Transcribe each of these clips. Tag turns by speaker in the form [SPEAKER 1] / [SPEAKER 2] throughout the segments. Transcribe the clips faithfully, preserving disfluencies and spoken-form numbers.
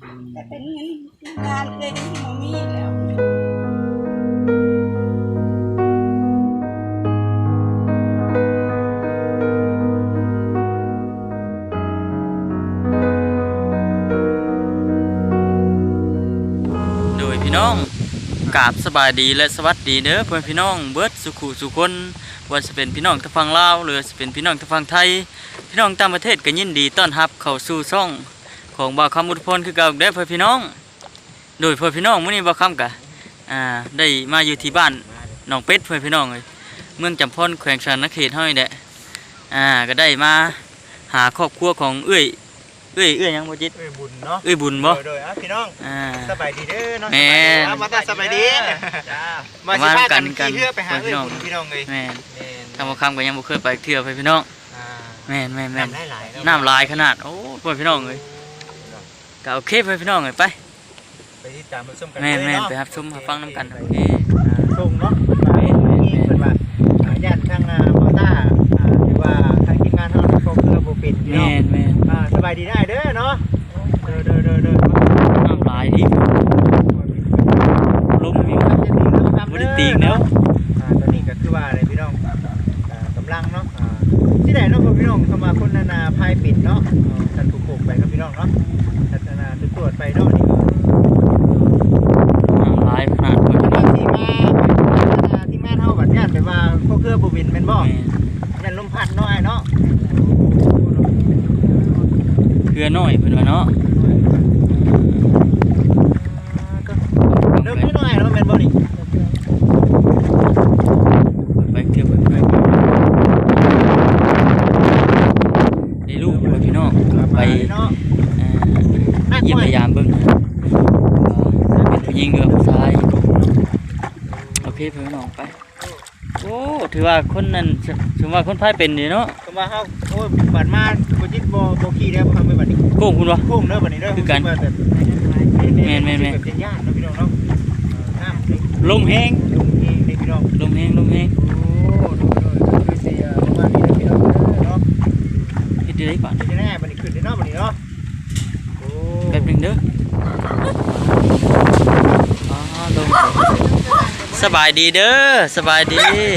[SPEAKER 1] แต่เป็นเงินงานเลยที่มมีแล้ว
[SPEAKER 2] โดยพี่น้องกราบสบายดีและสวัสดีเด้อเพื่อนพี่น้องเบิร์ดสุขุสุคนว่าจะเป็นพี่น้องทางฝั่งลาวหรือจะเป็นพี่น้องทางฝั่งไทยพี่น้องต่างประเทศก็ยินดีต้อนรับเข้าสู่ช่องของบ่าวคำอุทพลคือเก่าเด้อเพื่อนพี่น้องโดยเพื่อนพี่น้องมื้อนี้บ่าวคำกะอ่าได้มาอยู่ที่บ้านหนองเป็ดเพื่อนพี่น้องเลยเมืองจำพรแขวงสารเขตเฮานี่แหละอ่าก็ได้มาหาครอบครัวของเอื้อยเอื้อยเอื้อยยังบ่จิต
[SPEAKER 3] เอ้ยบุญเนาะ
[SPEAKER 2] เอื้อยบุญบ่
[SPEAKER 3] โดยอ่ะพี่น้อง
[SPEAKER 2] อ่า
[SPEAKER 3] สบายดีเด้อเนาะ
[SPEAKER 2] แม่น
[SPEAKER 3] มาตาสบายดีจ้ามาสิพากันขี่เรือไปหาเอ้ยบุญพี่น้องเลย
[SPEAKER 2] แม่น
[SPEAKER 3] แม่น
[SPEAKER 2] ทางบ่คำก็ยังบ่เคยไปเที่ยวไปพี่น้อง
[SPEAKER 3] อ่า
[SPEAKER 2] แม่นแม่นแม่น
[SPEAKER 3] น้ำหลายๆเนาะ
[SPEAKER 2] น้ำลายขนาดโอ้เพื่อนพี่น้องเลยก็โอเคเพื่อนพี่น้องเลยไป
[SPEAKER 3] ไปที่ตามมาชมกัน
[SPEAKER 2] แม่น
[SPEAKER 3] เลย
[SPEAKER 2] แม่น
[SPEAKER 3] เนาะ
[SPEAKER 2] ไปรับชมรับฟังน้ำกันโอเค
[SPEAKER 3] อ่าชมเนาะมาเพิ่นนี่เพิ่นว่าอ่าญาติทางอ่ามอต้าอ่าหรือว่าทางทีมงานเฮาโชคเรือบ่เป็นพี่น้
[SPEAKER 2] แม่
[SPEAKER 3] อง
[SPEAKER 2] นแม่น
[SPEAKER 3] อ่าสบายดีได้เด้อเนาะเด้อเด้อเด้อเด้อ
[SPEAKER 2] น้ำลายดิลมอยู่
[SPEAKER 3] ครับจะตีแล้วครับ
[SPEAKER 2] บ่ได้ตีแล้ว
[SPEAKER 3] อ่าตอนนี้ก็คือว่าอะไรพี่น้องอ่ากำลังเนาะอ่าที่ไหนเนาะพี่น้องเข้ามาคนนานาพายปิดเนาะอ่าท่านถูกโขกไปครับพี่น้องเนาะท่านนานาตรวจไปเนาะนี่
[SPEAKER 2] น้ำลายขนาดเพื่อน
[SPEAKER 3] ก็
[SPEAKER 2] พี่น้อง
[SPEAKER 3] ที่มาที่มาเท่าบัดย่านไปว่าพวกเครือบุบินเป็นบ่
[SPEAKER 2] แม่น
[SPEAKER 3] ย่านลมพัดเนาะไอ้เนาะ
[SPEAKER 2] เครือน้อยเพื่อนว่าเนาะ
[SPEAKER 3] เริ่มนิดหน่อยเนาะแม่นบ่นี่
[SPEAKER 2] ไปเที่ยวไปไปได้ลูกเพื่อนพี่น้องไป
[SPEAKER 3] เนาะ
[SPEAKER 2] อ่าเยี่ยมพยายามเบิ่งนะว่าเป็นผู้หญิงหรือผู้ชายโอเคเพื่อนพี่น้องไปโอ้ถือว่าคนนั้นถือว่าคนพายเป็นนี่เนาะ
[SPEAKER 3] ก็มาเฮาโอ้ยบัดมาบ่จิตบ่บ่ขี่แล้วบ่ทำไปบัดนี้
[SPEAKER 2] โก้งคุณวะ
[SPEAKER 3] โค้งเด้อบัดนี้เด้อ
[SPEAKER 2] คือกัน
[SPEAKER 3] แม่น
[SPEAKER 2] แม่นแม่น
[SPEAKER 3] แบบเป็นญาติเนาะพี่น้องเนาะน้ำ
[SPEAKER 2] ลมแห้ง
[SPEAKER 3] ลงเองเด้พี่น้อง
[SPEAKER 2] ลมแห้งลมแห้ง
[SPEAKER 3] โอ้ดูดูดูสิอ่ะประมาณนี้นะพี่น้องเนาะ
[SPEAKER 2] เฮ็ดได้ก่อน
[SPEAKER 3] เดี๋ยวจะแน่บัดนี้ขึ้นได้เนาะบัดนี้เนาะโอ้
[SPEAKER 2] แป๊บหนึงเด้ออ๋อลมสบายดีเด้อสบายดี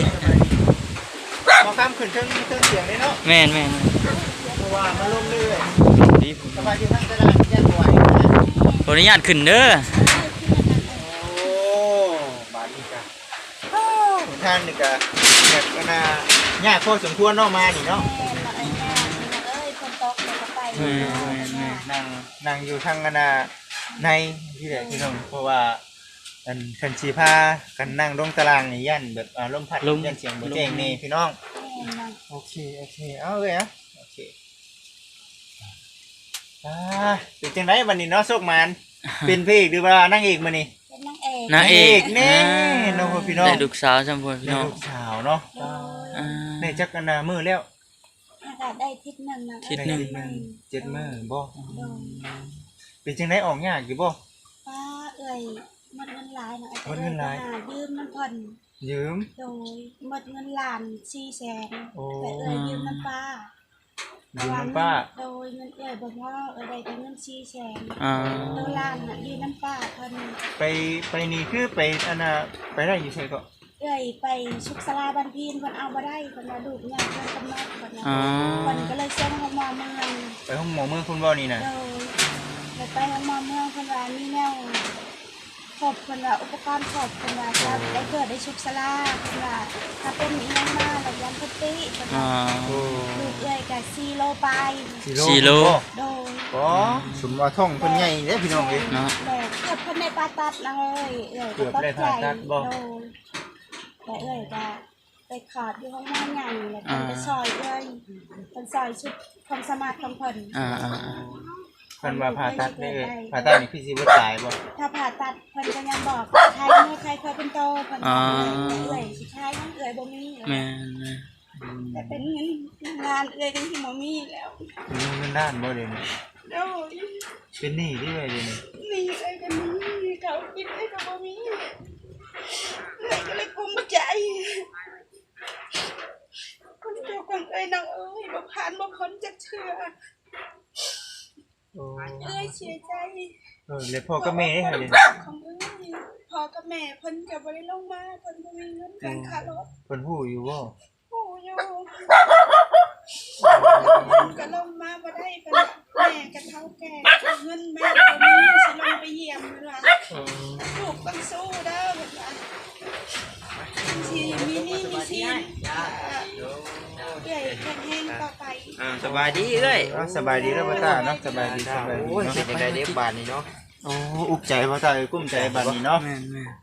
[SPEAKER 3] พอข้ามขึ้นเครื่องเครื่องเสียงเลยเนาะ
[SPEAKER 2] แม่นแม่น
[SPEAKER 3] เพราะว่ามันลมเรื่อย
[SPEAKER 2] ดีผม
[SPEAKER 3] สบายดีทั้งตลาดย่านไหวนะ
[SPEAKER 2] ขออนุญาตขึ้นเด้อ
[SPEAKER 3] โอ้บาดนี้จ้ะท่านนี่ก็แบบก็น่ายากพอสมควรเนาะมานี่เนาะ
[SPEAKER 1] แม่มาเอ้ยแม่เอ้ยคนตกเลยก็ไป
[SPEAKER 2] แม่นแม่นแม่น
[SPEAKER 3] นั่งนั่งอยู่ทางกันน่ะในที่ไหนพี่น้องเพราะว่าอันคันสีผ้ากันนั่งลงตารางนี่ยันแบบอ่าลมพัดยันเสียงบ่แจ้งนี่พี่น้อง โอเค โอเค เอาเลยอ่ะโอเคอ่าเป็นจังไดวันนี้เนาะโชคมัน เป็นพระเอกหรือว่านั่งเอกมานี่
[SPEAKER 1] เป็นนางเอก
[SPEAKER 2] นางเอก
[SPEAKER 3] แน่น้องพี่น้อง
[SPEAKER 2] ได้ลูกสาวจำพวกพี่
[SPEAKER 3] ได้
[SPEAKER 2] น้อง
[SPEAKER 3] ลูกสาวเนาะ
[SPEAKER 2] อ่า
[SPEAKER 3] ได้จักกันนามือแล้ว
[SPEAKER 1] อากาศได้ทิศหนึ่งนะ
[SPEAKER 2] ทิศหนึ่ง
[SPEAKER 3] ได้เจ็ดมือบ่
[SPEAKER 1] โดน
[SPEAKER 3] เป็นจังไดออกยากอยู่บ่
[SPEAKER 1] ป้าเอ้ยหมดเงินหลายนะ
[SPEAKER 3] หมดเงินหลาย
[SPEAKER 1] ยืมมันผ่อน
[SPEAKER 3] ยืม
[SPEAKER 1] โดยหมดเงินล้านสี่แสน
[SPEAKER 3] โอ้
[SPEAKER 1] แต่เอ้ยยืมมันป้า
[SPEAKER 3] ยืมน้ำป้า
[SPEAKER 1] โดยเงินเอ้ยบอกว่าเอ้ยได้แต่เงินสี่แสน
[SPEAKER 2] อ่า
[SPEAKER 1] ตัวล้านน่ะยืมน้ำป้าเพิ่น
[SPEAKER 3] ไปไปนี่คือไปอันน่ะไปได้อยู่ไสก็
[SPEAKER 1] เอ้ยไปชุกสลาบันพีนเพิ่นเอาบ่ได้เพิ่นว่าลูกยากเพิ่นกำหนดเพิ่นนะ
[SPEAKER 2] อ่า
[SPEAKER 1] เพิ่นก็เลยส่งลงมาเมือง
[SPEAKER 3] ไปห้องหมอเมืองคุณบ่นี่น่ะ
[SPEAKER 1] โดยแล้วไปลงมาเมืองเพิ่นว่ามีแนวครบเพิ่นว่าอุปกรณ์ครบเพิ่นว่าจะได้เกิดได้ชุกสลาเพิ่นว่าถ้าเป็นอีหยังมาแล้วยันเพิ่นติเพิ่น
[SPEAKER 2] อ่า
[SPEAKER 1] ว่า
[SPEAKER 3] โอ้
[SPEAKER 1] ลูกเอ้ยก็สี่โลไป
[SPEAKER 2] สี่โล
[SPEAKER 1] โดย
[SPEAKER 3] บ่สมว่าท้องเพิ่นใหญ่เด้พี่น้องเอ้ย
[SPEAKER 2] เนาะ
[SPEAKER 1] แต่เกือบเพิ่นได้ผ่าตัดนะเอ้ยเอ้ย
[SPEAKER 3] เกือบได้ผ่าตัดบ่
[SPEAKER 1] โดยแต่เอ้ยก็ไปขาดอยู่ห้องน้ำใหญ่แล้วเพิ่นไปซอยเอ้ยเพิ่นซอยชุดความสามารถของเพิ่น
[SPEAKER 2] อ่าอ่าอ่า
[SPEAKER 3] เพิ่นว่าผ่าตัดได้เอ้ยผ่าตัดนี่คือสิบ่ตายบ่
[SPEAKER 1] ถ้าผ่าตัดเพิ่นก็ยังบอกใครเมื่อใครเคยเป็นโตเพิ่น
[SPEAKER 2] อ่า
[SPEAKER 1] เอ้ยสิใช้ยังเอ้ยบ่มี
[SPEAKER 2] แม่นแม่น
[SPEAKER 1] แต่เป็นเงินงานเอ้ยจังที่บ่มีแล้ว
[SPEAKER 3] มีเงินด้านบ่เดี๋ยวนี้
[SPEAKER 1] โดย
[SPEAKER 3] เป็นหนี้เด้วยเดี๋ยวนี้
[SPEAKER 1] นี่เอ้ยก็มีเขากินเอ้ยก็บ่มีเอ้ยก็เลยกุมใจคนเจ้าของเอ้ยน้องเอ้ยบ่ผ่านบ่พ้นจักเทื่อ
[SPEAKER 3] โอ้
[SPEAKER 1] เอ้ยเสียใจ
[SPEAKER 3] เออเลยพ่อกับแม่ได้หั่นเด้
[SPEAKER 1] ของเอ้ยพ่อกับแม่เพิ่นก็บ่ได้ลงมาเพิ่นบ่มีเงินกันค่ารถ
[SPEAKER 3] เพิ่นฮู้อยู่บ่
[SPEAKER 1] ปู่อยู่เพิ่นก็ลงมาบ่ได้เพิ่นแม่ก็เฒ่าแก่เงินแม่บ่มีสิลงไปเยี่ยมเพิ่นว่าลูกต้องสู้เด้อเพิ่นว่าสิมีหนี้มีสินเอ้ยแข็งแรงต่อไป
[SPEAKER 4] อ่าสบายดีเอ้ย
[SPEAKER 3] เอ้าสบายดีแล้วบ่ตาเนาะสบายดีสบายดี
[SPEAKER 4] โอ้ย
[SPEAKER 3] เนาะ
[SPEAKER 4] เฮ็ดจังได๋เด็กบาดนี้เนาะ
[SPEAKER 3] โอ้อุกใจบ่ตาเอ้ยกุ้มใจบัดนี้เนาะ
[SPEAKER 2] แม่นแม่น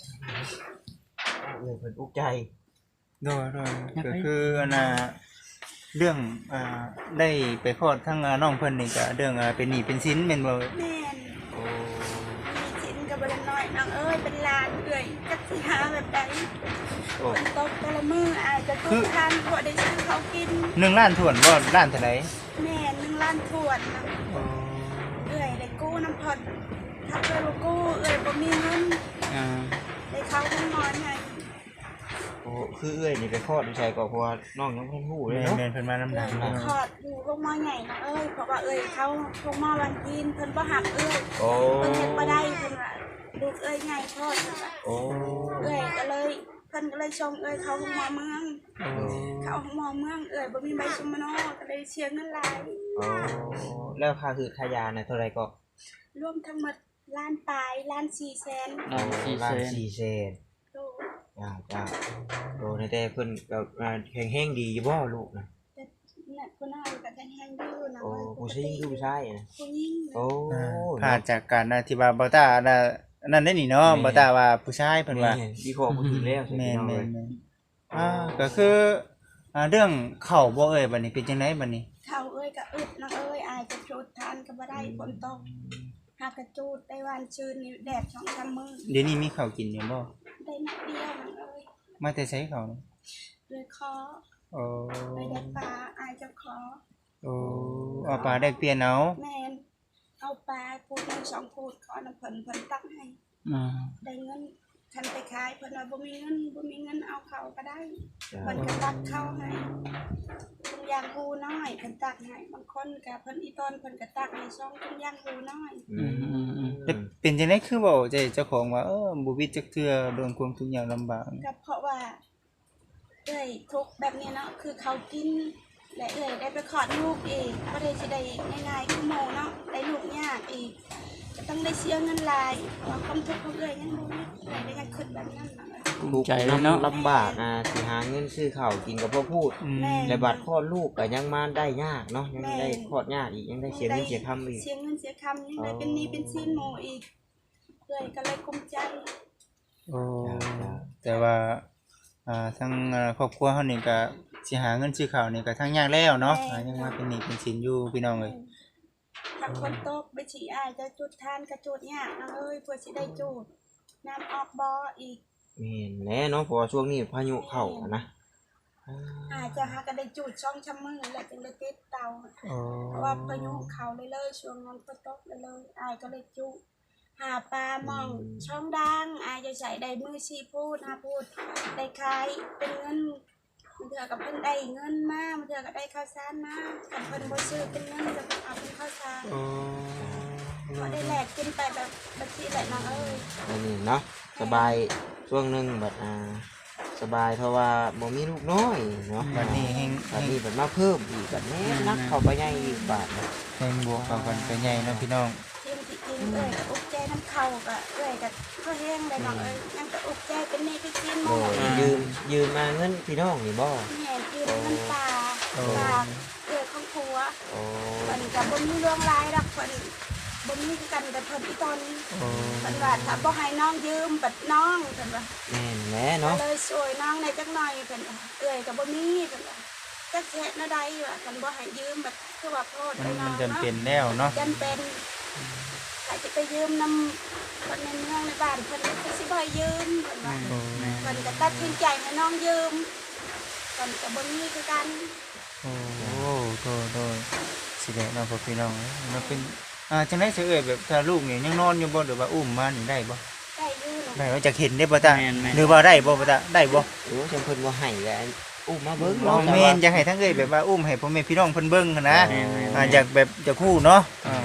[SPEAKER 4] เอ้ยเพิ่นอุกใจ
[SPEAKER 3] โดยโดยก็คืออันน่ะเรื่องอ่าได้ไปคลอดทั้งอ่าน้องเพิ่นนี่ก็เรื่องอ่าเป็นหนี้เป็นสินแม่นบ่
[SPEAKER 1] แม่น
[SPEAKER 4] โอ้
[SPEAKER 1] มีสินก็บ่ได้น้อยน้องเอ้ยเป็นหลานเอ้ยจักสิหาแบบใด
[SPEAKER 3] โอ้
[SPEAKER 1] ฝนตกแต่ละมื้ออาจจะทุกท่านพอได้ซื้อเขาวกิน
[SPEAKER 3] หนึ่งล้านถ้วนบ่ล้านเท่าไหร่
[SPEAKER 1] แม่หนึ่งล้านถ้วนนะ
[SPEAKER 3] โอ้
[SPEAKER 1] เอ้ยได้กู้น้ำผ่อนถ้าเอ้ยบ่กู้เอ้ยบ่มีเงิน
[SPEAKER 2] อ่า
[SPEAKER 1] ได้เข้าห้องนอนให้
[SPEAKER 4] โอ้คือเอ้ยนี่ไปคลอดอยู่ไสก็เพราะว่าน้องยังบ่ทันฮู้เลย
[SPEAKER 3] แม่
[SPEAKER 4] เนาะ
[SPEAKER 3] แม่นเพิ่นมาน้ำ
[SPEAKER 1] เอ้
[SPEAKER 3] ดั
[SPEAKER 1] ย
[SPEAKER 3] ง
[SPEAKER 1] ไป
[SPEAKER 3] เนาะ
[SPEAKER 1] คลอดอยู่โรงหมอใหญ่นะเอ้ยเพราะว่าเอ้ยเขาโรงหมอวันกินเพิ่นบ่หักเอ้ย
[SPEAKER 4] โอ้
[SPEAKER 1] เพิ่นเฮ็ดบ่ได้เพิ่นว่าลูกเอ้ยใหญ่คลอดเพิ่นว่า
[SPEAKER 4] โอ้
[SPEAKER 1] เอ้ยก็เลยเพิ่นก็เลยส่งเอ้ยเข้าห้องหมอเมือง
[SPEAKER 3] โอ้
[SPEAKER 1] เข้าห้องหมอเมืองเอ้ยบ่มีใบสุมโนก็เลยเสียเงินหลาย
[SPEAKER 4] โอ้แล้วค่าคือค่ายาน่ะเท่าไหร่ก็
[SPEAKER 1] รวมทั้งหมดล้านปลายล้านสี่แสน
[SPEAKER 2] ล้านสี่
[SPEAKER 4] ล้า
[SPEAKER 2] แส
[SPEAKER 4] น
[SPEAKER 2] น
[SPEAKER 4] สี่แสน
[SPEAKER 1] โต
[SPEAKER 4] จ้าจ้าโอ้ในแต่เพิ่นก็อ่าแข็งๆดีอยู่บ่ลูกน่ะ
[SPEAKER 1] แต่เนี่ยผู้น้อยก็แข็งๆอยู่นะ
[SPEAKER 4] โอ้
[SPEAKER 1] เว้ยป
[SPEAKER 4] ผู้
[SPEAKER 1] ก
[SPEAKER 4] ชาย
[SPEAKER 1] ติ
[SPEAKER 4] อยู่ผู้ชายน่ะ
[SPEAKER 1] ผู้หญิง
[SPEAKER 4] โอ้
[SPEAKER 3] อ่าผ่านจากการอ่าที่ว่าบ่ตาน่ะนั่นได้นี่เนาะบ่ตาว่าผู้ชายเพิ่นว่า
[SPEAKER 4] แม่วิเคราะห์บ่ถูกแล้วใช่ไหม
[SPEAKER 3] แม่น
[SPEAKER 4] น้อง
[SPEAKER 3] แม่
[SPEAKER 4] เอ้
[SPEAKER 3] น
[SPEAKER 4] ย
[SPEAKER 3] แม่นอ่าก็คืออ่าเรื่องเข้าบ่เอ่ยบัดนี้เป็นจังไดบัดนี้
[SPEAKER 1] เขาเอ้ยก็อึดนะเอ้ยอายจะจูดทานก็บ่ได้ฝนตกหากกระจูดได้วันชื่นนี่แดดสองสามมื้อ
[SPEAKER 3] เดี๋ยวนี้มีข้าวกินอยู่บ่
[SPEAKER 1] ได้นัดเดียวนะเอ้ย
[SPEAKER 3] มาแต่ไสข้าวนี่
[SPEAKER 1] เลยขอ
[SPEAKER 3] โอ้
[SPEAKER 1] ไปได้ปลาอายจะขอ
[SPEAKER 3] โอ้เอาปลาได้เปลี่ยนเอา
[SPEAKER 1] แม่นเอาปลาพูดหนึ่งสองพูดขอน้ำเพิ่นเพิ่นตักให้
[SPEAKER 2] อ่า
[SPEAKER 1] ได้เงินคันไปขายเพิ่นว่าบ่มีเงินบ่มีเงินเอาเขาก็ได้
[SPEAKER 4] จ้า
[SPEAKER 1] เพิ่นก็ตักเข้าให้ทุกอย่างหูน้อยเพิ่นตักให้บางคนก็เพิ่นอีตอนเพิ่นก็ตักให้ซองทุกอย่างหูน้อย
[SPEAKER 4] อืม
[SPEAKER 2] อืมอืม
[SPEAKER 3] แต่เป็นจังไดคือเว้าใจเจ้าของว่าเออบ่วิตจักเทื่อโดนความทุกข์ยากลำบาก
[SPEAKER 1] ก็เพราะว่าเอ้ยทุกข์แบบนี้เนาะคือเขากินและเอ้ยได้ไปขอดลูกอีกบ่ได้สิได้ง่ายๆคือหมู่เนาะได้ลูกยากอีกก็ต้องได้เสียเงินหลายว่าความทุกข์ของเอ้ยยังบ่มีเอ้ยได้ยังคิดแบบนั้นน่ะ
[SPEAKER 2] ภูมิใจเลยเนาะ
[SPEAKER 4] ลำบากอ่ะสิหาเงินซื้อข้าวกินกับพ่อพูด
[SPEAKER 3] อืม
[SPEAKER 4] และบัตรคลอดลูกก็ยังมาได้ยากเนาะยังได้คลอดยากอีกยังได้เสียเงินเสียคำอีก
[SPEAKER 1] เสียเงินเสียคำยังได้เป็นหนี้เป็นสินหมู่อีกเอ้ยก็เลยกุมใจ
[SPEAKER 3] โอ้แต่ว่าอ่าทั้งอ่าครอบครัวเฮานี่ก็สิหาเงินซื้อข้าวนี่ก็ทั้งยากแล้วเนาะอ่ายังมาเป็นหนี้เป็นสินอยู่พี่น้องเอ้ย
[SPEAKER 1] ทางคนตกไปฉี่อายจะจุดทานกระจุดยากนะเอ้ยเพื่อสิได้จุดน้ำออกบ่ออีก
[SPEAKER 4] แม่นแน่เนาะเพราะว่าช่วงนี้พายุเข้าอะนะอ่า
[SPEAKER 1] อาจจะหาก็ได้จุดช่องช้ำมือแล้วจึงได้ติดเตา
[SPEAKER 3] โอ้
[SPEAKER 1] เพราะว่าพายุเขาเลยเลยช่วงนั้นฝนตกเลยเลยอายก็เลยจุหาปลามองช่องดังอายจะใส่ได้มือชีพูดหาพูดได้ขายเป็นเงินมันเถื่อกับเพิ่นได้เงินมามันเถื่อกับได้ข้าวสารมากับเพิ่นบ่ซื้อเป็นเงินจะเพิ่นเอาเป็นข้าวสาร
[SPEAKER 3] โอ้
[SPEAKER 1] พอได้แลกกินไปแบบบัญชีแหละน้องเอ้ย
[SPEAKER 4] อันนี้เนาะสบายช่วงหนึงบัดอ่าสบายเพราะว่าบ่มีลูกน้อยเนาะ
[SPEAKER 3] บัดนี้แฮง
[SPEAKER 4] บัดนี้บัดมาเพิ่มอีกบัดแม่นักเข้าไปใหญ่อีกบาทนะ
[SPEAKER 3] แฮงบวกเข้ากันก็ใหญ่เนาะพี่น้อง
[SPEAKER 1] ทีมที่กินเอ้ยก็อุกใจน้ำเข่าก็เอ้ยก็ก็แห้งเลยน้องเอ้ยยังก็อุกใจเป็นนี่คือกินห
[SPEAKER 4] โด
[SPEAKER 1] มู
[SPEAKER 4] ยยืมยืมมาเงินพี่น้องนี่บ่
[SPEAKER 1] แม่กินน้ำปลาปลาเอ้ยของผัว
[SPEAKER 4] โอ้
[SPEAKER 1] เพิ่นก็บ่มีเรื่องร้ายดอกเพิ่นบ่มีคือกันแต่เพิ่นอีตอน
[SPEAKER 3] โอ้
[SPEAKER 1] เพิ่นว่าถ้าบ่ให้น้องยืมบัดน้องเพิ่นว่า
[SPEAKER 4] แม่นแหละ
[SPEAKER 1] ก็
[SPEAKER 4] เนาะ
[SPEAKER 1] เลยช่วยน้องในจักหน่อยเพิ่นว่าเอ้ยก็บ่มีเพิ่นว่าจักเฮ็ดแนวใดว่าคันบ่ให้ยืมแบบคือว่าโพด
[SPEAKER 3] มัน
[SPEAKER 1] ไอ้น้
[SPEAKER 3] มั
[SPEAKER 1] อน ง
[SPEAKER 3] จำ
[SPEAKER 1] เนาะ
[SPEAKER 3] เป็นแล้วเนาะ
[SPEAKER 1] จำเป็นใครจะไปยืมนำคนในเมืองในบ้านเพิ่นก็สิบ่ให้ยืมเพิ่นว่า
[SPEAKER 3] โอ้
[SPEAKER 1] เพิ่นก็ตัดสินใจให้น้องยืมเพิ่นก็บ่มีคือกัน
[SPEAKER 3] โอ้โตโตสิได้เนาะพ่อพี่น้องเอ้ยมันเป็นอ่าจังได๋สิเอ่ยแบบถ้าลูกนี่ยังนอนอยู่บ่หรือว่าอุ้มมานี่ได้บ่
[SPEAKER 1] ได้อยู่เนาะ
[SPEAKER 3] ได้ว่าจะเห็นได้บ่ตาหรือว่าได้บ่บ่ตาได้บ่
[SPEAKER 4] โอ้จำเพิ่นบ่ให้แล้วอุ้มมาเบิ่ง
[SPEAKER 3] น้อ
[SPEAKER 4] เนาะ
[SPEAKER 3] งแม่นอยากให้ทั้งเอ้ยแบบว่าอุ้มให้พ่อแม่พี่น้องเพิ่นเบิ่งหั้นนะอ่าอยากแบบจะคู่เนาะอ่า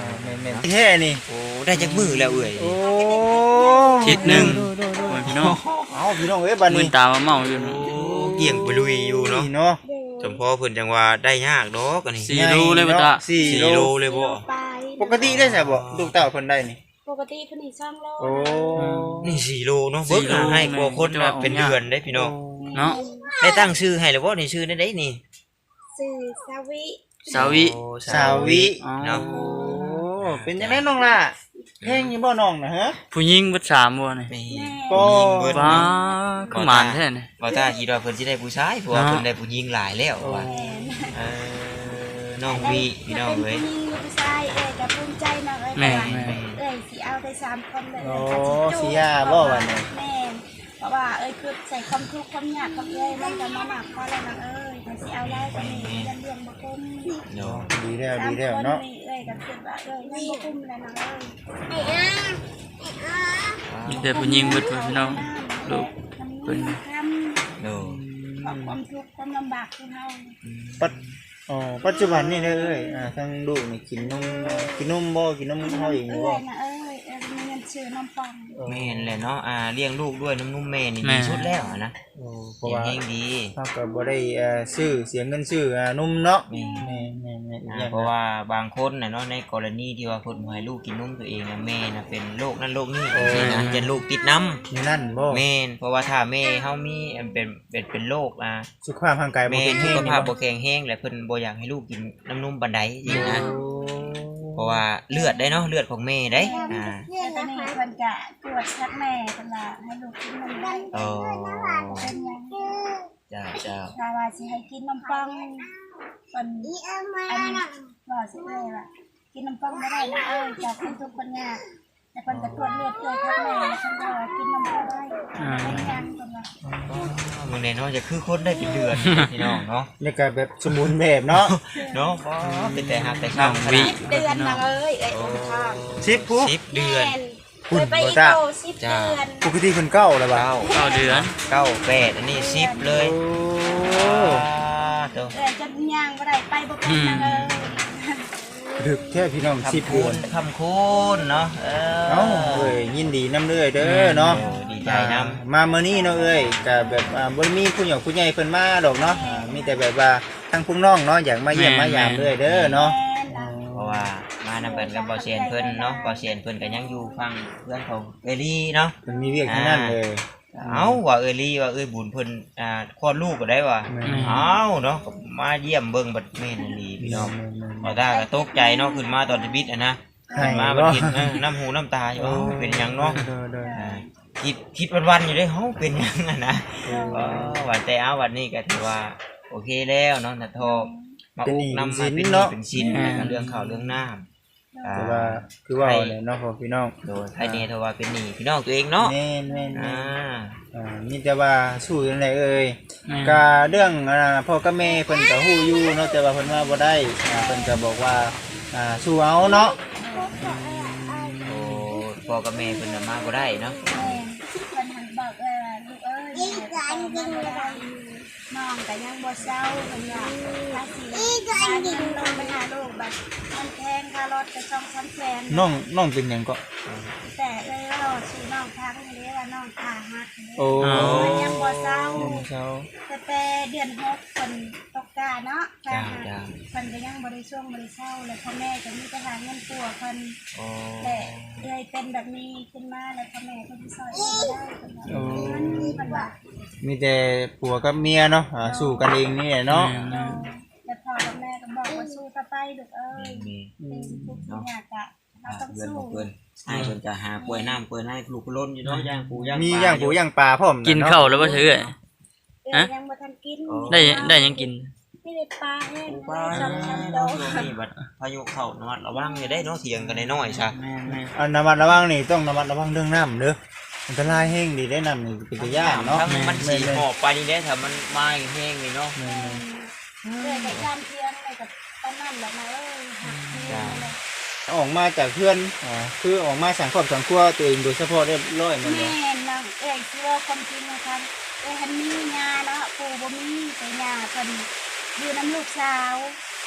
[SPEAKER 3] ม่น
[SPEAKER 4] เนาะ
[SPEAKER 3] แท้นี่
[SPEAKER 4] โอ้ได้จักมือแล้วเอ้ย
[SPEAKER 3] โอ้
[SPEAKER 2] ทิศหนึงโอ้ยพี่น้อง
[SPEAKER 3] เอ้าพี่น้องเอ้ยบัด
[SPEAKER 2] มื
[SPEAKER 3] นี้
[SPEAKER 2] นตามาเมาอยู่
[SPEAKER 4] โอ้
[SPEAKER 2] เนาะ
[SPEAKER 4] เกี่ยงไปลุยอยู่เนาะ
[SPEAKER 3] นี่เนาะ
[SPEAKER 1] เด้อ
[SPEAKER 4] สมพอเพิ่นจังว่าได้ยากดอกอันนี้
[SPEAKER 2] สี่โลเลยบ่ตา
[SPEAKER 3] สี่
[SPEAKER 4] สี่
[SPEAKER 3] โล
[SPEAKER 4] โลเลยบ่
[SPEAKER 1] ไป
[SPEAKER 3] ปกติได้ใช่บ่ลูกเต้าเพิ่นได้นี่
[SPEAKER 1] ปกติเพิ่นนี่สองโล
[SPEAKER 3] โอ้
[SPEAKER 4] นี่สี่โลเนาะเบิก
[SPEAKER 2] สี่โล
[SPEAKER 4] หาให้กว่าคน
[SPEAKER 2] แม่
[SPEAKER 4] น่ะ
[SPEAKER 2] น
[SPEAKER 4] เป็นเดือนได้พี่น้อง
[SPEAKER 2] เนาะ
[SPEAKER 4] ได้ตั้งชื่อให้แล้วบ่นี่ชื่อได้ได้นี่
[SPEAKER 1] สื่อสวิ
[SPEAKER 2] สาวิ
[SPEAKER 4] โอ้
[SPEAKER 3] สาวิ
[SPEAKER 2] อ๋อ
[SPEAKER 4] เนาะ
[SPEAKER 3] โอ้เป็นจังได๋น้องล่ะเพลงอยู่บ่น้องน่ะฮะ
[SPEAKER 2] ผู้หญิงเบิดสามบ่นี่
[SPEAKER 4] แม่
[SPEAKER 3] ก็
[SPEAKER 4] ผู้หญิงเบิด
[SPEAKER 2] ว้า
[SPEAKER 4] เนาะ
[SPEAKER 2] คือหมานแท้นี่
[SPEAKER 4] บ่ตาคิดว่าเพิ่นสิได้ผู้ชายเพราะว่า
[SPEAKER 2] เนาะ
[SPEAKER 4] เพิ่นได้ผู้หญิงหลายแล้วว่า
[SPEAKER 1] แม่น
[SPEAKER 4] เออน้องวีพี่น้องเอ้ย
[SPEAKER 1] จะเป็นผู้หญิงหรือผู้ชายเอ้ยก็ภูมิใจนะเอ้ย
[SPEAKER 2] แม่
[SPEAKER 1] เพราะว่า
[SPEAKER 2] แม่
[SPEAKER 1] เอ้ยสิเอาได้สามคนเลย
[SPEAKER 3] โอ้
[SPEAKER 1] เอ้ยก็
[SPEAKER 3] สิ
[SPEAKER 1] จุ
[SPEAKER 3] ยาบ่ว่านี่
[SPEAKER 1] แม่นเพราะว่าเอ้ยคือใส่ความทุกข์ความยากกับเอ้ยมันก็มาหนักพอแล้วนะเอ้ยถ้าสิเอาได้ก็นี่เรียนเรียนบ่คุ้ม
[SPEAKER 4] เนาะ
[SPEAKER 3] ดีแล้ว
[SPEAKER 1] สาม
[SPEAKER 3] ดีแล้ว
[SPEAKER 1] คน
[SPEAKER 3] เนาะ
[SPEAKER 1] นี่เอ้ยก็คิดว่าเอ้ยยังบ่คุ้มเลยนะเอ้ยไอ้อา
[SPEAKER 2] มีแต่ผู้หญิงเบิดพี่น้องลูก
[SPEAKER 1] เพิ่นทำ
[SPEAKER 4] เนาะ
[SPEAKER 1] ความทุกข์ความลำบากของเฮา
[SPEAKER 3] ปัจอ๋อปัจจุบันนี่เด้อเอ้ยอ่าทั้งลูกนี่กินนมกินนมบ่กินนมเฮาเองอยู่
[SPEAKER 1] เอ้
[SPEAKER 3] บ่
[SPEAKER 1] ยนะเอ้ยเอ้ยมีเงินซื้อน้ำปอง
[SPEAKER 4] แม่นแหละเนาะอ่าเลี้ยงลูกด้วยน้ำนุ่มแม่นี่
[SPEAKER 2] แม่
[SPEAKER 4] ดีสุดแล้วอะนะ
[SPEAKER 3] โอ้เพราะ
[SPEAKER 4] เลี้ยง
[SPEAKER 3] ว่า
[SPEAKER 4] เองดี
[SPEAKER 3] เฮาก็บ่ได้เอ่อซื้อเสียเงินซื้ออ่านมเนาะ
[SPEAKER 4] แม่
[SPEAKER 3] แม่แม่แม่อีก
[SPEAKER 4] อ่า
[SPEAKER 3] อย่าง
[SPEAKER 4] เพราะว่าบางคนน่ะเนาะในกรณีที่ว่าเพิ่นบ่ให้ลูกกินนมตัวเองน่ะแม่น่ะเป็นโรคนั้นโรคนี้จังซี่นะจะลูกติดน้ำ
[SPEAKER 3] นี่นั่นบ่
[SPEAKER 4] แม่นเพราะว่าถ้าแม่เฮามีอันเป็นเป็นเป็นโรคอ่า
[SPEAKER 3] สุขภาพร่างกายบ่
[SPEAKER 4] แม่
[SPEAKER 3] เป็น
[SPEAKER 4] สุ
[SPEAKER 3] แรง
[SPEAKER 4] ข
[SPEAKER 3] นี่
[SPEAKER 4] ภาพ
[SPEAKER 3] บ่
[SPEAKER 4] บ่แข็งแรงและเพิ่นบ่อยากให้ลูกกินน้ำนมปานใดจริงนะ
[SPEAKER 3] โอ้
[SPEAKER 4] เพราะว่าเลือดได้เนาะเลือดของแม่ได้อ่า
[SPEAKER 1] แต่ตอนนี้เพิ่นจะตรวจชักแม่เพิ่นว่าให้ลูกกินนมได้
[SPEAKER 4] อ๋อ
[SPEAKER 1] เป็นหยัง
[SPEAKER 4] จ้าจ้า
[SPEAKER 1] ถ้าว่าสิให้กินนมปังเพิ่นอันว่าสิเอ้ยว่ากินนมปังบ่ได้นะเอ้ยจากคนทุกข์คนยากแต่เพิ่นก็ตรวจเลือดเอ้ยทักแม่เพิ่นก็ว่ากินนมปังได้เป็นหยังเพิ่นว่า
[SPEAKER 4] มึงเนี่ยเนาะจะคือคนได้เป็นเดือนพี่น้องเนาะ
[SPEAKER 3] แล้วก็แบบสมบูรณ์แบบเนาะ
[SPEAKER 4] เนาะบ่เป็นแต่หักแต่ข้างข
[SPEAKER 2] วิ
[SPEAKER 4] นาด
[SPEAKER 1] เดือนนะเอ้ยเอ้ยโอ้ทาง
[SPEAKER 3] สิบผู้
[SPEAKER 4] สิบเดือน
[SPEAKER 1] เคยไปอีโตสิบเดือน
[SPEAKER 3] ปกติเพิ่นเก้าแล้วบ่า
[SPEAKER 4] เก้า
[SPEAKER 2] เก้าเดือน
[SPEAKER 4] เก้าแปดอันนี้สิบเลย
[SPEAKER 3] โอ้
[SPEAKER 4] เด้อ
[SPEAKER 1] เอ้ยจะย่างบ่ได้ไปบ่เป็นนะเอ้ย
[SPEAKER 3] ดึกแค่พี่น้องสิบ
[SPEAKER 4] คำ
[SPEAKER 3] เดื
[SPEAKER 4] คู
[SPEAKER 3] อน
[SPEAKER 4] ณคำคูณเนาะเออ
[SPEAKER 3] เอ้าเอ้ยยินดีนำเด้อเด้อเนาะ
[SPEAKER 4] โอ้ดีใจนำ
[SPEAKER 3] มาเมื่อนี้เนาะเอ้ยก็แบบอ่าบ่ได้มีผู้ใหญ่ผู้ใหญ่เพิ่นมาดอกเนาะอ่ามีแต่แบบว่าทางพุ่น้องเนาะอยากมาเยี่ยมมายามเด้อเด้อเนาะ
[SPEAKER 4] เพราะว่ามานำกันกับบ่อเซียนเพิ่นเนาะบ่อเซียนเพิ่นก็ยังอยู่ฟังเพื่อนของเอลี่เนาะ
[SPEAKER 3] เพิ่นมีเวียกทั้งนั้นเลย
[SPEAKER 4] เอ้าว่าเอลี่ว่าเอ้ยบุญเพิ่นอ่าคลอดลูกก็ได้ว่ะ
[SPEAKER 3] แม่
[SPEAKER 4] เอ้าเนาะก็มาเยี่ยมเบิ่งบัดแม่นอีหลีพี่น้อง บ่ตาก็ตกใจเนาะขึ้นมาตอนจะบิดอ่ะนะขึ้นมาบัดเห็นเออน้ำหูน้ำตาอยู่เอ้าเป็นหยังเนาะ
[SPEAKER 3] เด้อเด้อ
[SPEAKER 4] อ่าคิดคิดวันๆอยู่เด้เฮาเป็นหยังอ่ะนะเออว่าแต่เอาวันนี้ก็ถือว่าโอเคแล้วเนาะนัททอมาอุกนำมาเป็นหนี้เป็นสินแล้วก็เรื่องข้าวเรื่องน้ำอ่า
[SPEAKER 3] แต่ว่าคือว่าเนี่ยเนาะพ่อพี่น้อง
[SPEAKER 4] โดยภายในโทว่าเป็นหนี้พี่น้องตัวเองเนาะ
[SPEAKER 3] แม่นแม่น
[SPEAKER 4] อ่า
[SPEAKER 3] อ่ามีแต่ว่าสู้จังไดเอ่ย
[SPEAKER 2] แม่
[SPEAKER 3] ก็เรื่องอ่าพ่อกับแม่เพิ่นก็ฮู้อยู่เนาะแต่ว่าเพิ่นว่าบ่ได้อ่าเพิ่นก็บอกว่าอ่าสู้เอาเนาะ
[SPEAKER 4] โอ้พ่อกับแม่เพิ่นน่ะมาบ่ได้เนาะ
[SPEAKER 1] แม่คนหันบอกเออลูกเอ้ยแม่ก็ต้องมาได้น้องก็ยังบ่เศร้าเพิ่นว่าถ้าสิหาเงินลงไปหาลูกแบบมันแพงค่ารถก็ต้องสามแสน
[SPEAKER 3] น้องน้องเป็นหยังก็
[SPEAKER 1] แต่เลยว่าเราชื่อน้องพังนี่ว่าน้องขาหักนี่
[SPEAKER 3] โอ้
[SPEAKER 1] มันยังบ่เศร้า
[SPEAKER 3] เช้า
[SPEAKER 1] แต่แต่เดือนหกคนตกกาเนาะ
[SPEAKER 4] จ้า
[SPEAKER 1] ค่ะ
[SPEAKER 4] จ้า
[SPEAKER 1] คนก็ยังบริช่วงบริเช่าแล้วพ่อแม่ก็มีไปหาเงินตัวคน
[SPEAKER 4] โอ้
[SPEAKER 1] แต่เลยเป็นแบบนี้ขึ้นมาแล้วพ่อแม่ก็ที่ซอยเองบ่ได้คนว่ามันมันว่า
[SPEAKER 3] มีแต่ผัวกับเมียเนาะอ่าสู้กันเองนี่แหละเนาะ
[SPEAKER 1] แต่พ่อกับแม่ก็บอกว่าสู้ต่อไปลูกเอ้ย
[SPEAKER 4] มี
[SPEAKER 1] เป็นสิ่งทุกสิ่งอยากอะเราต้อง
[SPEAKER 4] เพื่อน
[SPEAKER 1] สู้
[SPEAKER 4] ของเพื่อนให้เพิ่นจะหากล้วยน้ำกล้วยไม้ปลูกล้นอยู่เนาะย่างปูย่าง
[SPEAKER 3] มี
[SPEAKER 4] ปล
[SPEAKER 3] ย่างปูย่างปลาพร้อมะ
[SPEAKER 2] กิน
[SPEAKER 3] เะ
[SPEAKER 2] ข้าวแล้วบ่เชื่อ
[SPEAKER 1] เอ้ยยังบ่ทันกิน
[SPEAKER 2] ได้ได้หยังกิน
[SPEAKER 1] ไม่ได้ปลาแห้ง
[SPEAKER 4] ปูปลา
[SPEAKER 1] สองชั้นโด
[SPEAKER 4] นี่บัดพายุเข้าระมัดระวังอย่าได้เนาะเถียงกันน้อยๆซะ
[SPEAKER 3] อันระมัดระวังนี่ต้องระมัดระวังเรื่องน้ำเด้ออันตรายแห้งดีได้น้ำนี่เป็นตัวอย่างเนาะ
[SPEAKER 4] ถ้ามันสีหมอกไปนี่ได้ถ้ามันมาแห้งนี่เนาะ
[SPEAKER 1] เอ้ยกับยามเที่ยงเลยกับตอนนั้นแหละนะเอ้ยหักเที่ยงเลย
[SPEAKER 3] ออกมาจากเพื่อนอ่าคือออกมาสังครอบสังครัวตัวเองโดยเฉพาะเรียบร้อยหมันเลย
[SPEAKER 1] แม่น้องเอ้ยเชื่อความจริงนะครับเอ้ยฮันมีงาเนาะปู่บ่มีแต่งาเพิ่นอยู่น้ำลูกสาว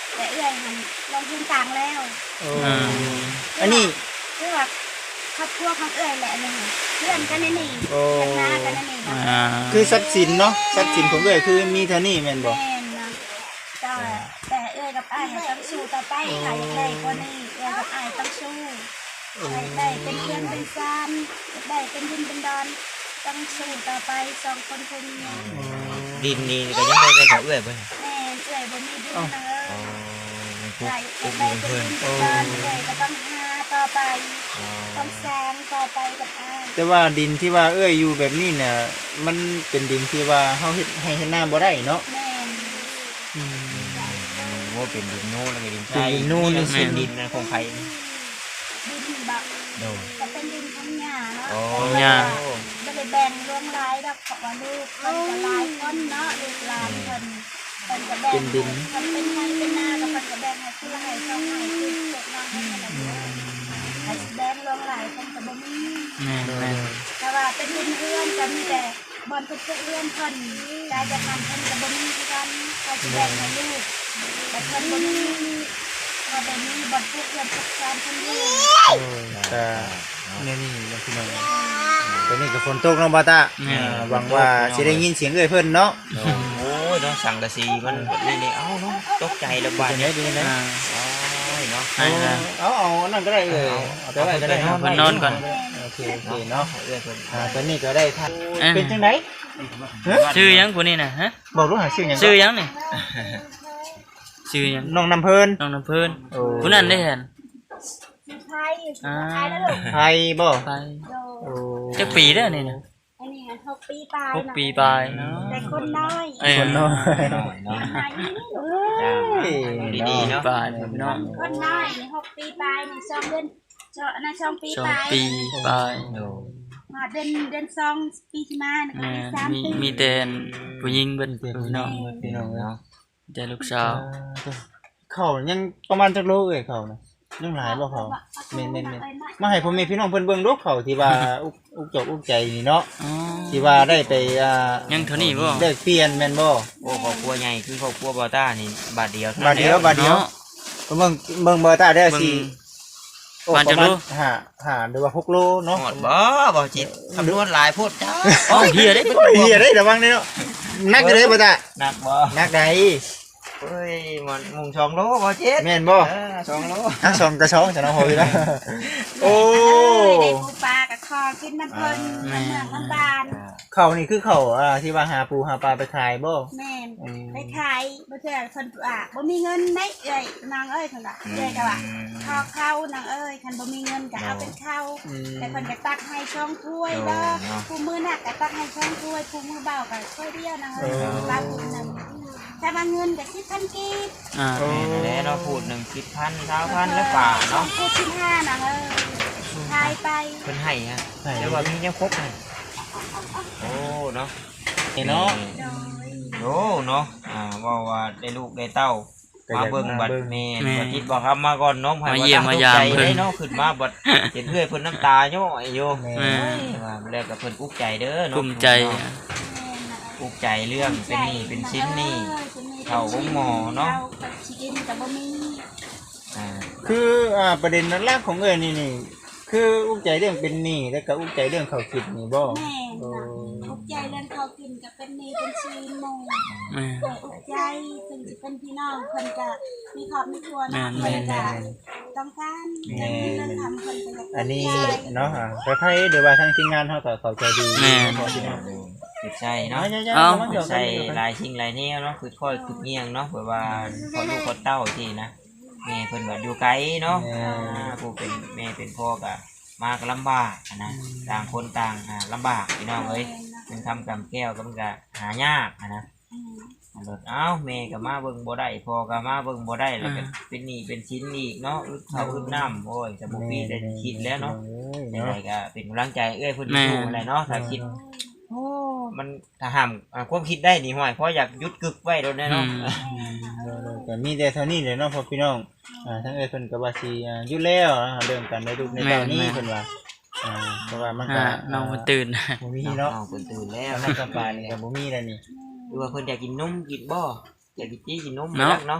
[SPEAKER 1] แต่เอื้อยมันลงทุนต่างแล้ว
[SPEAKER 3] โอ้
[SPEAKER 2] อืม
[SPEAKER 3] อันนี้
[SPEAKER 1] เพื่อครอบครัวของเอื้อยแหละนี่เพื่อนกันนี่นี่
[SPEAKER 3] โอ้
[SPEAKER 1] เพื่อนหน้ากันนี่นะ
[SPEAKER 2] อ่า
[SPEAKER 3] คือทรัพย์สินเนาะทรัพย์สินของเอ้ยคือมีเท่านี้แม่นบ่
[SPEAKER 1] แม่นนะแต่แต่เอื้อยกับอ้ายต้องสู้ต่อไปใครได้ก็นี่เอื้อยกับอ้ายต้องสู้ใครได้เป็นเพื่อนเป็นซานได้เป็นดินเป็นดอนต้องสู้ต่อไปสองคนคนนี้
[SPEAKER 4] ดินนี่ก็ยังบ่เป็นของเอื้อยเพิ่น
[SPEAKER 1] แม่เอื้อยบ่มีดินเล
[SPEAKER 4] อ๋อย มันปลู
[SPEAKER 1] ใค
[SPEAKER 4] ก
[SPEAKER 1] ร
[SPEAKER 4] ปลู
[SPEAKER 1] จะ
[SPEAKER 4] ก
[SPEAKER 1] ได้
[SPEAKER 4] ดิน
[SPEAKER 1] เป็น
[SPEAKER 4] เพิ่น
[SPEAKER 1] ดินเป็นดอนเอื้อยก็ต้องหาต่อไป
[SPEAKER 4] อ๋อ
[SPEAKER 1] ต้องสร้างต่อไปกับอ้าย
[SPEAKER 3] แต่ว่าดินที่ว่าเอ้ยอยู่แบบนี้น่ะมันเป็นดินที่ว่าเฮาเฮ็ดให้เฮ็ดนาบ่ได้เนาะ
[SPEAKER 1] แม่น
[SPEAKER 3] อืม
[SPEAKER 4] ว่าเป็นดินโน่นแล้วก็ดินไทย
[SPEAKER 3] ดินโน่น
[SPEAKER 4] นี่เป็นดินนะของไผ
[SPEAKER 1] ดินบัก
[SPEAKER 4] โดน
[SPEAKER 1] ก็เป็นดินของหญ้าเนาะ
[SPEAKER 4] อ๋อ
[SPEAKER 2] หญ้า
[SPEAKER 1] บ่ได้แบ่งรวมรายดอกเพราะว่าลูกเพิ่นก็หลายคนเนาะลูกหลานเพิ่นเพิ่นก็แบ่ง
[SPEAKER 3] เป็นดิน
[SPEAKER 1] เพิ่นเป็นไห้เป็นนาก็เพิ่นก็แบ่งให้ผู้ละให้สองให้คือพวกน้องให้กันให้แบ่งรวมหลายเพิ่นก็บ่มี
[SPEAKER 2] แม่นแม่น
[SPEAKER 1] แต่ว่าเป็นดินเอื้อนก็มีแต่บ่อนเพิ่นเอื้อนเพิ่นกายจะทำเพิ่นก็บ่มีคือกันเขาสิแบ่งให้ลูกแต่เพิ่นบ่มีว่าบ่มีบ่อนเอื้อนทุกการเพิ่นอยู่
[SPEAKER 3] โอ้ยก็เนี่ยนี่เนาะพี่น้องตอนนี้ก็ฝนตกเนาะบ่าวตาอ่าหวังว่าสิได้ยินเสียงเอ้ยเพิ่นเนาะ
[SPEAKER 4] โอ้ยเนาะสังกะสีมันนี่นี่เอ้าเนาะตกใจแล้วบาด
[SPEAKER 3] เป็นไง
[SPEAKER 4] นี้
[SPEAKER 3] ดีนะ
[SPEAKER 2] อ่า
[SPEAKER 4] โอ้ยเนาะ
[SPEAKER 2] ให้ละ
[SPEAKER 3] เอาเอาเอานั่นก็ได้เลยเอาไปไว้ก็ได้
[SPEAKER 2] เอาไปนอนก่อน
[SPEAKER 3] โอเคโอเคเนาะ
[SPEAKER 4] เอื้อยเพิ่น
[SPEAKER 3] อ่าตอนนี้ก็ได้ทาน
[SPEAKER 2] เอ้ย
[SPEAKER 3] เป็นจังได๋
[SPEAKER 2] ชื่อหยังผู้นี้น่ะฮะ
[SPEAKER 3] บอกรู้หาชื่อหยัง
[SPEAKER 2] ชื่อหยังนี่ชื่อหยัง
[SPEAKER 3] น้องน้ำเพิ่น
[SPEAKER 2] น้องน้ำเพิ่น
[SPEAKER 3] โอ้
[SPEAKER 2] ผู้นั้นได้เห็น
[SPEAKER 1] ไทยไทยแล้วลูก
[SPEAKER 3] ไทยบ่
[SPEAKER 2] ไป
[SPEAKER 1] โด
[SPEAKER 3] โอ้
[SPEAKER 2] จักปีเด้อนี่น่ะ
[SPEAKER 1] อันนี้หกปีปลาย
[SPEAKER 2] หกปีปลายเนาะ
[SPEAKER 1] แต่คนน้อย
[SPEAKER 2] เอ้ย
[SPEAKER 3] คนน้อย
[SPEAKER 4] หน่อยเนาะ
[SPEAKER 1] หายนี่ลูก
[SPEAKER 4] จ้า
[SPEAKER 3] เอ้ย
[SPEAKER 4] ดีๆเนาะ
[SPEAKER 2] ปลายพี่น้อง
[SPEAKER 1] คนน้อยนี่หกปีปลายนี่สองเดือนสองนะสองปี
[SPEAKER 2] สอ
[SPEAKER 1] ป
[SPEAKER 2] ง
[SPEAKER 1] ลาย
[SPEAKER 2] ปีปลาย
[SPEAKER 4] โดน
[SPEAKER 1] มาเดือนเดือนสองปีที่มานี่ก็
[SPEAKER 2] แม่
[SPEAKER 1] มีสาม
[SPEAKER 2] มี
[SPEAKER 1] ปี
[SPEAKER 2] มีแต่ผู้หญิงเบิดพี่น้อง
[SPEAKER 3] พี่น้องเนาะ
[SPEAKER 4] เนาะ
[SPEAKER 2] แต่ลูกสาว
[SPEAKER 3] เขายังประมาณจักโลเอ้ยเขานะยังหลายบ่เขาแม่นๆๆมาให้พ่อแม่พี่น้องเพิ่นเบิ่งดูเขาที่ว่าอุกอุกจกอุกใจนี่เนาะ
[SPEAKER 2] อ๋อ
[SPEAKER 3] ที่ว่าได้ไปอ่า
[SPEAKER 2] ยังเท่านี้บ่
[SPEAKER 3] ได้เปลี่ยนแม่นบ่
[SPEAKER 4] โอ้ครอบครัวใหญ่คือครอบครัวบอต้านี่บาทเดียวท่
[SPEAKER 3] บาทเดียว
[SPEAKER 4] นั้น
[SPEAKER 3] บาทเดียว
[SPEAKER 2] เนาะ
[SPEAKER 3] เบิ่งเบิ่งเบอร์ตาได้
[SPEAKER 2] เบิ่ง
[SPEAKER 3] สิโอ้
[SPEAKER 2] บาท
[SPEAKER 3] ป
[SPEAKER 2] จั
[SPEAKER 3] ระ
[SPEAKER 2] ก
[SPEAKER 3] มา
[SPEAKER 2] โล
[SPEAKER 3] ณห้าห้าหรือว่าหกโลเนาะ
[SPEAKER 4] หมดบ่บ่จิตคำนวณหลายโพดจ้า
[SPEAKER 2] อ๋อเฮียได้
[SPEAKER 3] โอ้ยเฮียได้ระวังเด้เนาะนักอยู่เด้บ่ตา
[SPEAKER 4] หนักบ่
[SPEAKER 3] นักใด
[SPEAKER 4] เฮ้ยมันมุงสองโลบ่เจ็ด
[SPEAKER 3] แม่นบ่
[SPEAKER 4] เออสองโล
[SPEAKER 3] ทั้งสองกระสองจะน้องโหยนะโอ้
[SPEAKER 1] เอ้ยได้ปูปลากับคอกินน้ำเพลินน้ำเมืองน้ำบาน
[SPEAKER 3] เขานี่คือเขาอ่าที่ว่าหาปูหาปลาไปขายบ่
[SPEAKER 1] แม่น
[SPEAKER 3] อืม
[SPEAKER 1] ไปขายบ่เทื่อเพิ่นอ่ะบ่มีเงินได้เอ้ยนางเอ้ยเพิ่นว่าเอ้ยก็ว่าข้าวเข้านางเอ้ยคันบ่มีเงินก็เอาเป็นข้าว
[SPEAKER 3] อืม
[SPEAKER 1] แต่เพิ่นก็ตักให้ช่องถ้วยเด้อผู้มือหนักก็ตักให้ช่องถ้วยผู้มือเบาก็ถ้วยเดียวนางเอ้ยปลาผู้นึงแต่ว่าเงินก็สิบพันกีบ
[SPEAKER 2] อ่า
[SPEAKER 4] แม่นแล้วเราพูดหนึ่งสิบพันเท้าพันแล้วป่าเนาะ
[SPEAKER 1] พูดสิบห้านางเอ้ยทายไป
[SPEAKER 4] เพิ่นให้ฮะ
[SPEAKER 3] ให้
[SPEAKER 4] แล้วว่ามียังครบเลยโอ้เนาะ
[SPEAKER 3] นี่เนาะ
[SPEAKER 1] โดย
[SPEAKER 4] โอ้เนาะอ่าว่าว่าได้ลูกได้เต้า
[SPEAKER 3] ก็
[SPEAKER 4] มา
[SPEAKER 3] อยาก
[SPEAKER 4] เบิ่งบัด
[SPEAKER 3] มาเบิ่ง
[SPEAKER 4] แม่นบัดคิดบ่ครับมาก่อนน้องไผ
[SPEAKER 2] มาเยี่ยมมายาม
[SPEAKER 4] ใจ
[SPEAKER 2] เพิ่น
[SPEAKER 4] ได้เนาะขึ้นมาบัดเห็นเพื่อนเพิ่นน้ำตาย่อยอยู่
[SPEAKER 3] แม่
[SPEAKER 2] แม่
[SPEAKER 4] ว่าแล้วก็เพิ่นอุกใจเด้อเนาะ
[SPEAKER 2] กลุ้มใจ
[SPEAKER 4] อุกใจเรื่องเป็นหนี้เป็นชิ้นหนี้ เข้าห้องหมอเนาะ
[SPEAKER 1] เข้กับชีอินกับบ่มี
[SPEAKER 4] อ่า
[SPEAKER 3] คืออ่าประเด็นนั้นแรกของเอ้ยนี่นี่คืออุ้มใจเรื่องเป็นหนี้แล้วก็อุ้มใจเรื่องเขาคิดนี่บ่
[SPEAKER 1] แม่นะอุกใจเรื่องเขากินกับเป็นหนี่เป็นชีนหมู่
[SPEAKER 2] แม่
[SPEAKER 1] แต่อุกใจถึงจะเป็นพี่น้องเพิ่นก็มีครอบมีครัวเนาะ
[SPEAKER 2] แม่
[SPEAKER 1] เพิ่น
[SPEAKER 2] น
[SPEAKER 1] ก็ต้องการเงินเงินทำเพิ่นก็อยาก
[SPEAKER 3] อันนี้
[SPEAKER 1] อุกใจ
[SPEAKER 3] เนาะอ่าไปไผเดี๋ยวว่าทางทีมงานเฮาก็เข้าใจดี
[SPEAKER 2] แม่
[SPEAKER 3] พอพี่น้อง
[SPEAKER 4] จิตใจเนาะ
[SPEAKER 2] เอ้า
[SPEAKER 4] ใส่หลายสิ่งหลายแนวเนาะคือค่อยคือเงียงเนาะเผื่อว่าพอลูกพอเต้าที่นะแม่เพิ่นว่าอยู่ไกลเนาะอ่าผู้เป็นแม่เป็นพ่อก็มาก็ลำบากอะนะต่างคนต่างอ่าลำบากพี่น้องเอ้ยเป็นคำกำแก้วก็มันก็หายากอะนะ
[SPEAKER 1] อืม
[SPEAKER 4] อันรถเอ้าแม่ก็มาเบิ่งบ่ได้พ่อก็มาเบิ่งบ่ได้แล้วก็เป็นหนี้เป็นชิ้นอีกเนาะอึดข้าวอึดน้ำโอ้ยจะบ่มีแต่คิดแล้วเนาะยังไงก็เป็นกำลังใจเอ้ยเพิ่นสู้อะไรเนาะถ้าคิด โอ้มันถ้าห้ามอ่าความคิดได้นี่ห่วยเพราะอยากหยุดกึกไว้โดนแน่เนาะ
[SPEAKER 3] ก็มีแต่เท่านี้เลยเนาะพ่อพี่น้องอ่าทั้งเอ้ยเพิ่นก็ว่าสิอ่าหยุดแล้วนะเรื่องการได้ลูกในตอนนี้เพิ่นว่าอ่าเพราะว่ามันก็
[SPEAKER 2] อ่าน้องมันตื่น
[SPEAKER 3] บ่มีเนาะ
[SPEAKER 4] เอาเพิ่นตื่นแล้ว
[SPEAKER 3] น้ำกับปลานี่ก็บ่มีแล้วนี่
[SPEAKER 4] หรือว่าเพิ่นอยากกินนมกินบ่อยากกินจี้กินนม
[SPEAKER 2] เนาะ
[SPEAKER 4] เนาะ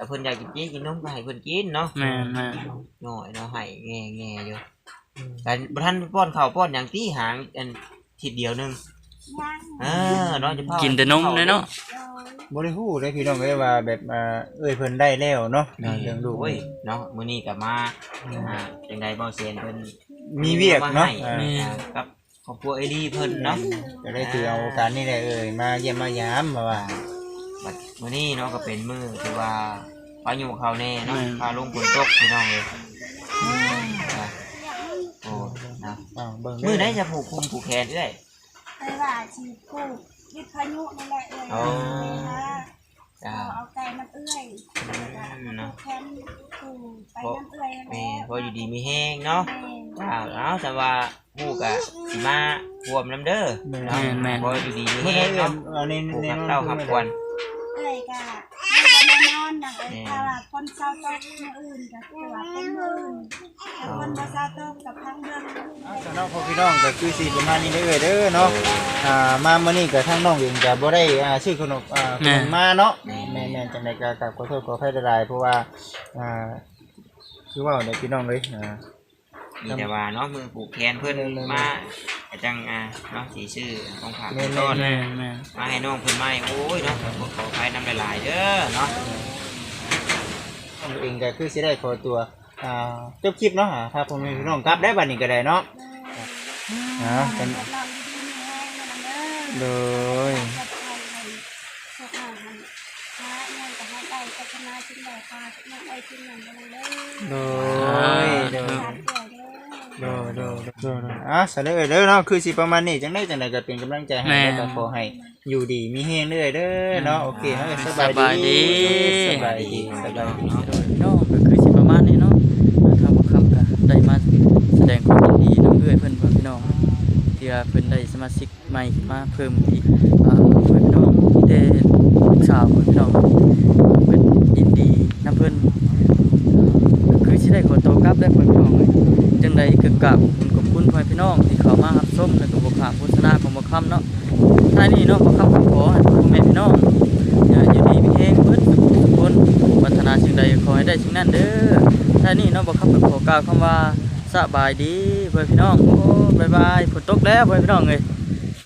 [SPEAKER 4] แต่เพิ่นอยากกินเจ๊กินนมก็ให้เพิ่นกินเนาะ
[SPEAKER 2] แม่นแม่น
[SPEAKER 4] น้อยเนาะให้แง่ๆอยู่แต่บ่ทันป้อนข้าวป้อนหยังตีหางอันทีเดียวนึง
[SPEAKER 1] ยัง
[SPEAKER 4] เออเนาะจะพา
[SPEAKER 2] กินแต่นมเลยเนาะ
[SPEAKER 1] โดย
[SPEAKER 3] บ่ได้ฮู้ได้พี่น้องเอ้ยว่าแบบอ่าเอ้ยเพิ่นได้แล้วเนาะเรื่องลูก
[SPEAKER 4] โอ้ยเนาะมื้อนี้ก็มาอ่าจังได๋บ่เซียนเพิ่น
[SPEAKER 3] มีเวียกเนาะ
[SPEAKER 4] อ่
[SPEAKER 3] อ่า
[SPEAKER 4] อ่ากับครอบครัวเอลี่เพิ่นเนาะ
[SPEAKER 3] ก็ได้ถือเอาโอกาสนี้แหละเอ้ยมาเยี่ยมมายามมาว่า
[SPEAKER 4] บัดมื้อนี้เนาะก็เป็นมื้อที่ว่าพายุเข้าแน่เนาะพาลงฝนตกพี่น้องเอ้ยอ่าโอ้นะ
[SPEAKER 3] อ้าวเบิ่ง
[SPEAKER 4] มื้อไหนจะผูกคุมผูกแขนเอ้ย
[SPEAKER 1] ไปว่าชีปลูกวิทยุนั่นแหละเอ้ย
[SPEAKER 4] อ๋อ
[SPEAKER 1] ค่ะ
[SPEAKER 4] จ้า
[SPEAKER 1] เอาไก่น้ำเอื้อย
[SPEAKER 4] อืมเนาะ
[SPEAKER 1] แคมปลูกไปน้ำเอื้อย
[SPEAKER 4] แม่พออยู่ดีมีแห้งเนาะ อ้าวเอาแต่ว่าฮู้กะสิมาร่วมนำเด้อเนาะพออยู่ดีมี
[SPEAKER 3] เมื่อ
[SPEAKER 4] แห้
[SPEAKER 3] ไรง เอ้ย
[SPEAKER 4] เนาะ
[SPEAKER 3] เอาใน
[SPEAKER 4] ผูก
[SPEAKER 3] ใน
[SPEAKER 4] กับ
[SPEAKER 3] นอน
[SPEAKER 4] เต้าครับควร
[SPEAKER 1] เอื้อยก็ไม่ได้นอนนะเอ้ยถ้าว่าคนเศร้าตกมื้ออื่นก็คือว่าเป็นมื้ออื่นแต่คนบ่เศร้าตกกับทั้งเดือน
[SPEAKER 3] สำหรับพ่อพี่น้องก็คือสิประมาณนี้เด้อเอ้ยเด้อเนาะอ่ามามื้อนี้ก็ทางน้องเองก็บ่ได้อ่าซื้อขนมอ่าขนมมาเนาะแม่ๆจังได๋ก็กราบขอโทษขออภัยหลายๆเพราะว่าอ่าคือว่าเด้อพี่น้องเอ้ยอ่า
[SPEAKER 4] มีแต่ว่าเนาะมือผูกแขนเพิ่นมาก็จังอ่าเนาะสิซื้อของฝากของต้น
[SPEAKER 2] แม่นแม่น
[SPEAKER 4] มาให้น้องเพิ่นมาให้โอ้ยเนาะขอขอไปนำหลายๆเด้อเนาะ
[SPEAKER 3] น้องเองก็คือสิได้ขอตัวอ่าจบคลิปเนาะอ่าถ้าพ่อแม่พี่น้องกลับได้บัดนี้ก็ได้เนาะอ่าเป็น
[SPEAKER 1] นอนดีๆมีแห้งนะเด้อ
[SPEAKER 3] โดย
[SPEAKER 1] จัดไปให้สุขภาพให้พระเงินก็ให้ได้พัฒนาชิ้นใดพาทุกอย่างได้ชิ้นหนึ่งกันเลย
[SPEAKER 3] โดยโดย
[SPEAKER 1] สามเดือนเด้อ
[SPEAKER 3] โดยโดยโดยโดยอ่ะสะเลยเด้อเนาะคือสิประมาณนี้จังได๋จังได๋ก็เป็นกำลังใจให้แล้วก็ขอให้อยู่ดีมีแฮงเด้อเด้อเนาะโอเคเฮาก็ส
[SPEAKER 2] ส
[SPEAKER 3] บาย
[SPEAKER 2] บาย
[SPEAKER 3] ดี
[SPEAKER 2] ดี
[SPEAKER 3] สบายดีสบายดี
[SPEAKER 2] โดยพี่น้องก็คือสิประมาณนี้เนาะทางบ่คำก็ได้มาแสดงความยินดีนำเอื้อยเพิ่นว่าพี่น้องที่ว่าเพิ่นได้สมาชิกใหม่ขึ้นมาเพิ่มอีกอ่าเพิ่นพี่น้องมีแต่ลูกสาวเพิ่นพี่น้องเพิ่นยินดีนำเพิ่นก็คือสิได้ขอตัวกลับได้เพิ่นพี่น้องเอ้ยจังไดก็กราบขอบคุณพ่อพี่น้องที่เข้ามารับชมแล้วก็บ่ขาดโฆษณาของบ่คำเนาะท้ายนี้เนาะบ่คำก็ขอให้พ่อแม่พี่น้องอย่าอยู่ดีมีแฮงเบิดทุกคนปรารถนาสิ่งใดขอให้ได้สิ่งนั้นเด้อท้ายนี้เนาะบ่คำก็ขอกล่าวคำว่าสบายดีพ่อพี่น้องโอ้บ๊ายบายฝนตกแล้วพ่อพี่น้องเอ้ย